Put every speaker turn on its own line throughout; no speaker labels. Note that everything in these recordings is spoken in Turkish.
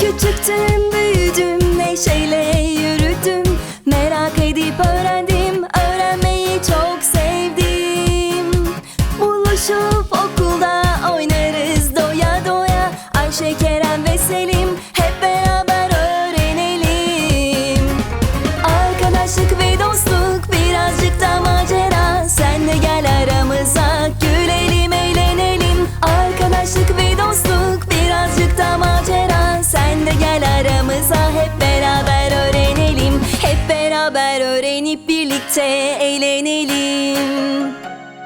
Küçüktüm, büyüdüm, neşeyle yürüdüm. Merak edip öğrendim, öğrenmeyi çok sevdim. Buluşup okulda oynarız doya doya. Ayşe, Kerem ve Selim hep beraber öğrenelim. Arkadaşlık ve dostluk, birazcık da macera. Sen de gel aramıza, gülelim, eğlenelim. Arkadaşlık ve dostluk, birazcık da macera. Sen de gel aramıza, hep beraber öğrenelim. Hep beraber öğrenip birlikte eğlenelim.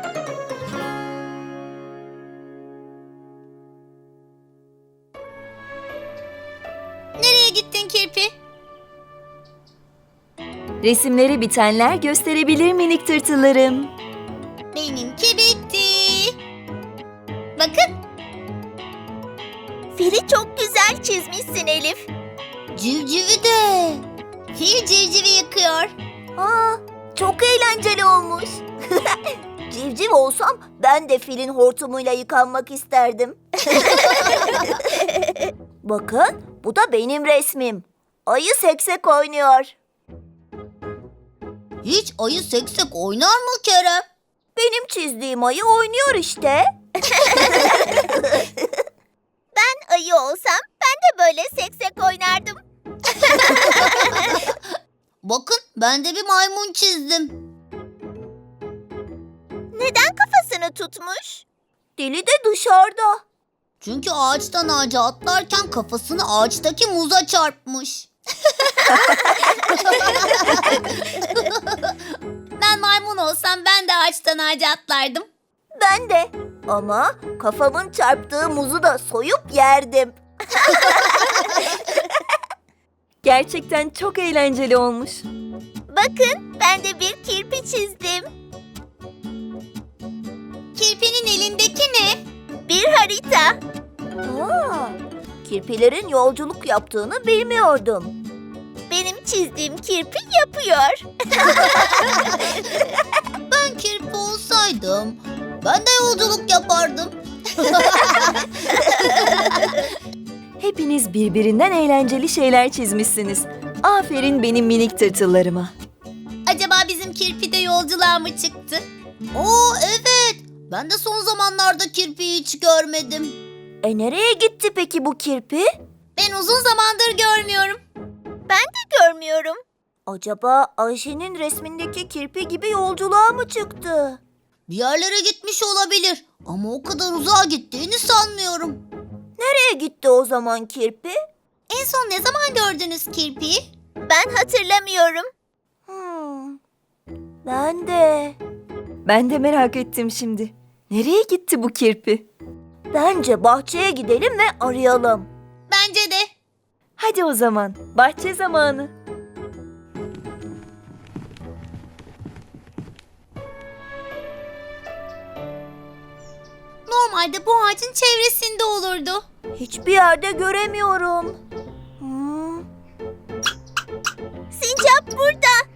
Nereye gittin Kirpi?
Resimleri bitenler gösterebilir minik tırtıllarım.
Benimki bitti. Bakın.
Fili çok güzel çizmişsin Elif.
Civcivi de. Fil civcivi yıkıyor.
Aa, çok eğlenceli olmuş. Civciv olsam ben de filin hortumuyla yıkanmak isterdim. Bakın, bu da benim resmim. Ayı seksek oynuyor.
Hiç ayı seksek oynar mı Kerem?
Benim çizdiğim ayı oynuyor işte. Ben ayı olsam ben de böyle seksek oynardım.
Bakın ben de bir maymun çizdim.
Neden kafasını tutmuş? Dili de dışarıda.
Çünkü ağaçtan ağaca atlarken kafasını ağaçtaki muza çarpmış. Ben maymun olsam ben de ağaçtan ağaca atlardım.
Ben de. Ama kafamın çarptığı muzu da soyup yerdim.
Gerçekten çok eğlenceli olmuş.
Bakın, ben de bir kirpi çizdim.
Kirpinin elindeki ne?
Bir harita. Aa, kirpilerin yolculuk yaptığını bilmiyordum. Benim çizdiğim kirpi yapıyor.
Ben kirpi olsaydım ben de yolculuk yapardım.
Hepiniz birbirinden eğlenceli şeyler çizmişsiniz. Aferin benim minik tırtıllarıma.
Acaba bizim kirpi de yolculuğa mı çıktı? Oo evet. Ben de son zamanlarda kirpiyi hiç görmedim.
Nereye gitti peki bu kirpi?
Ben uzun zamandır görmüyorum.
Ben de görmüyorum. Acaba Ayşe'nin resmindeki kirpi gibi yolculuğa mı çıktı?
Bir yerlere gitmiş olabilir ama o kadar uzağa gittiğini sanmıyorum.
Nereye gitti o zaman kirpi?
En son ne zaman gördünüz kirpiyi?
Ben hatırlamıyorum. Ben de.
Ben de merak ettim şimdi. Nereye gitti bu kirpi?
Bence bahçeye gidelim ve arayalım.
Bence de.
Hadi o zaman, bahçe zamanı.
Normalde bu ağacın çevresinde olurdu.
Hiçbir yerde göremiyorum. Sincap burada.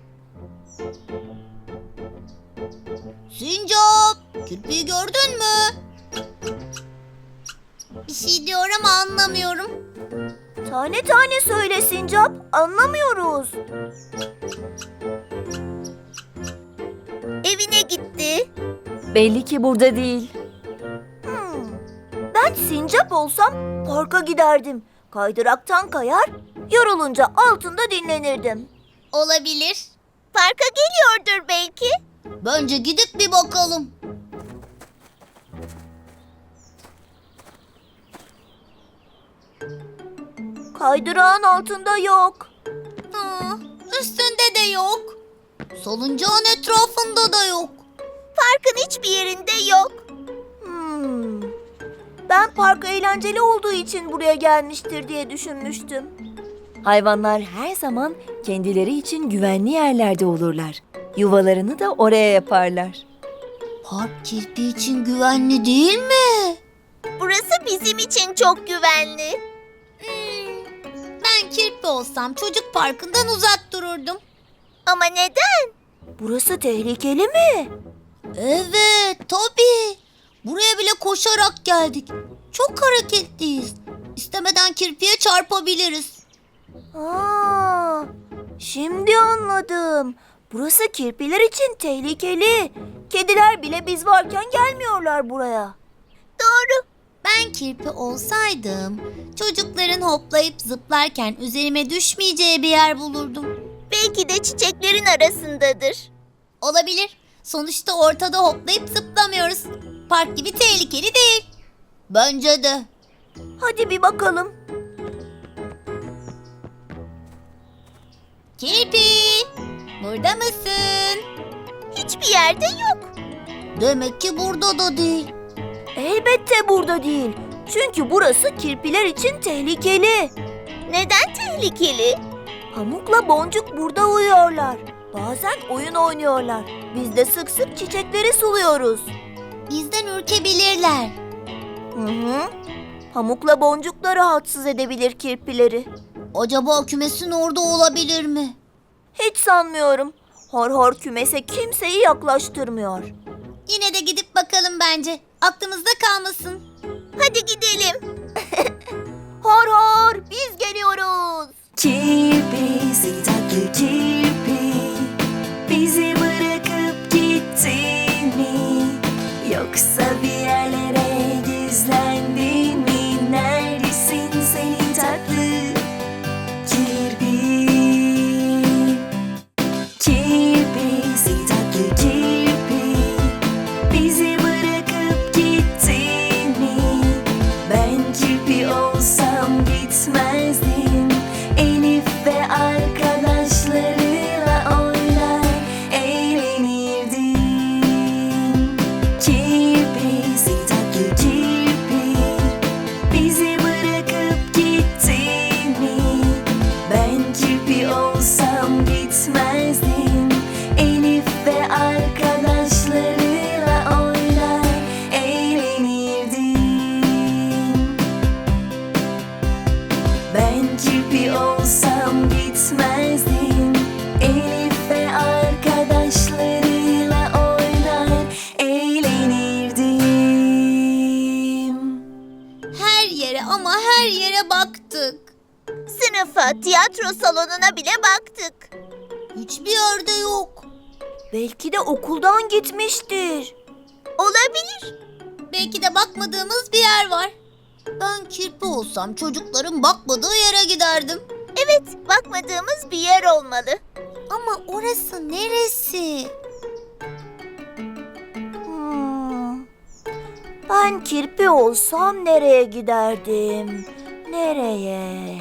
Sincap, kirpiyi gördün mü? Bir şey diyor ama anlamıyorum.
Tane tane söyle Sincap. Anlamıyoruz. Evine gitti.
Belli ki burada değil.
Ben sincap olsam parka giderdim. Kaydıraktan kayar, yorulunca altında dinlenirdim.
Olabilir.
Parka geliyordur belki.
Bence gidip bir bakalım.
Kaydırağın altında yok.
Üstünde de yok. Salıncağın etrafında da yok.
Parkın hiçbir yerinde yok. Ben park eğlenceli olduğu için buraya gelmiştir diye düşünmüştüm.
Hayvanlar her zaman kendileri için güvenli yerlerde olurlar. Yuvalarını da oraya yaparlar.
Park kirpi için güvenli değil mi?
Burası bizim için çok güvenli.
Ben kirpi olsam çocuk parkından uzak dururdum.
Ama neden? Burası tehlikeli mi?
Evet, tabii. Buraya bile koşarak geldik. Çok hareketliyiz. İstemeden kirpiye çarpabiliriz.
Aa, şimdi anladım. Burası kirpiler için tehlikeli. Kediler bile biz varken gelmiyorlar buraya.
Doğru. Ben kirpi olsaydım çocukların hoplayıp zıplarken üzerime düşmeyeceği bir yer bulurdum.
Belki de çiçeklerin arasındadır.
Olabilir. Sonuçta ortada hoplayıp zıplamıyoruz. Park gibi tehlikeli değil. Bence de.
Hadi bir bakalım.
Kirpi, burada mısın?
Hiçbir yerde yok.
Demek ki burada da değil.
Elbette burada değil. Çünkü burası kirpiler için tehlikeli. Neden tehlikeli? Pamukla Boncuk burada uyuyorlar. Bazen oyun oynuyorlar. Biz de sık sık çiçekleri suluyoruz.
Bizden ürkebilirler.
Hı. Pamukla Boncuk da rahatsız edebilir kirpileri.
Acaba kümesin orada olabilir mi?
Hiç sanmıyorum. Hor hor kümese kimseyi yaklaştırmıyor.
Yine de gidip bakalım bence. Aklımızda kalmasın.
Hadi gidelim. Hor hor biz geliyoruz.
Kirpi, seni tatlı kirpi, bizi bırakıp gittin mi? Yoksa bir yerlere gizlendin mi? Neredesin seni tatlı kirpi? Kirpi, seni tatlı kirpi, bizi bırakıp gittin mi? Ben kirpi olsam gitmezdim. Elif ve arkadaşlarıyla oynar eğlenirdim. Kirpi, seni tatlı kirpi, bizi bırakıp gittin mi? Ben kirpi olsam gitmezdim. Elif ve arkadaşlarıyla oynar eğlenirdim. Ben kirpi olsam gitmezdim. Elif ve arkadaşlarıyla oynar eğlenirdim.
Her yere ama her yere baktık.
Sınıfa, tiyatro salonuna bile baktık.
Hiçbir yerde yok.
Belki de okuldan gitmiştir. Olabilir.
Belki de bakmadığımız bir yer var. Ben kirpi olsam çocukların bakmadığı yere giderdim.
Evet, bakmadığımız bir yer olmalı.
Ama orası neresi?
Ben kirpi olsam nereye giderdim? Nereye?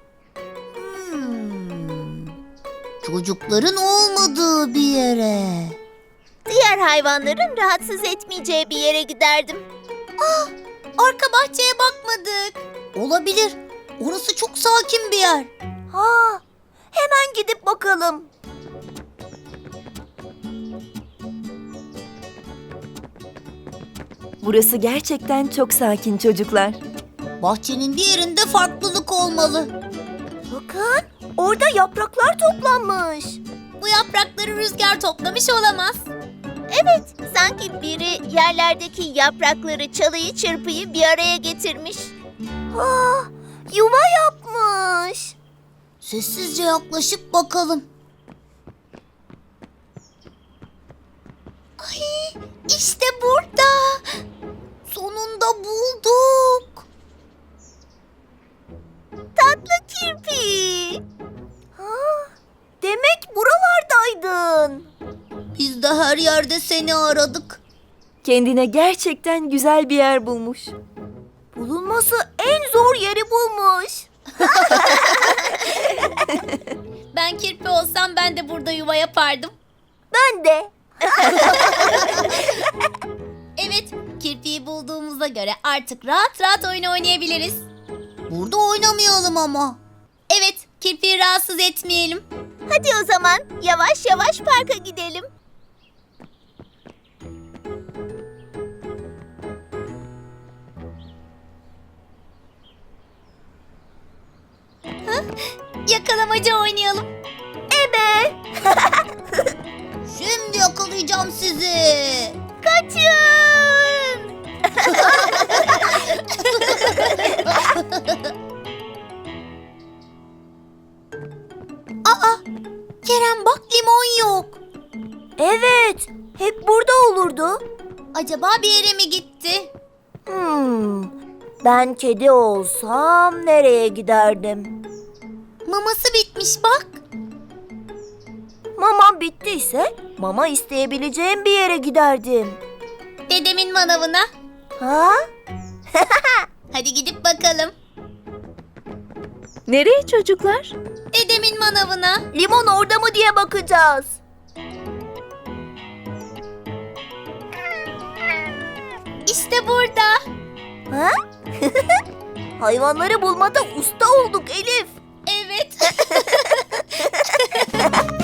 Çocukların olmadığı bir yere.
Diğer hayvanların rahatsız etmeyeceği bir yere giderdim.
Arka bahçeye bakmadık. Olabilir. Orası çok sakin bir yer.
Ha, hemen gidip bakalım.
Burası gerçekten çok sakin çocuklar.
Bahçenin bir yerinde farklılık olmalı.
Bakın, orada yapraklar toplanmış.
Bu yaprakları rüzgar toplamış olamaz.
Evet, sanki biri yerlerdeki yaprakları, çalıyı, çırpıyı bir araya getirmiş. Ah, yuva yapmış.
Sessizce yaklaşıp bakalım. Ay, işte burada. Sonunda bulduk.
Tatlı kirpi. Ha, demek buralardaydın.
Biz de her yerde seni aradık.
Kendine gerçekten güzel bir yer bulmuş.
Bulunması en zor yeri bulmuş.
Ben kirpi olsam ben de burada yuva yapardım.
Ben de.
Evet, kirpiyi bulduğumuza göre artık rahat rahat oyun oynayabiliriz. Burada oynamayalım ama. Evet, kirpiyi rahatsız etmeyelim.
Hadi o zaman yavaş yavaş parka gidelim.
Yakalamaca oynayalım.
Ebe.
Şimdi yakalayacağım sizi.
Kaçın.
Kerem bak, limon yok.
Evet, hep burada olurdu.
Acaba bir yere mi gitti?
Ben kedi olsam nereye giderdim?
Maması bitmiş bak.
Mamam bittiyse mama isteyebileceğim bir yere giderdim.
Dedemin manavına.
Ha?
Hadi gidip bakalım.
Nereye çocuklar?
Dedemin manavına.
Limon orada mı diye bakacağız.
İşte burada.
Ha? Hayvanları bulmada usta olduk Elif.
Evet.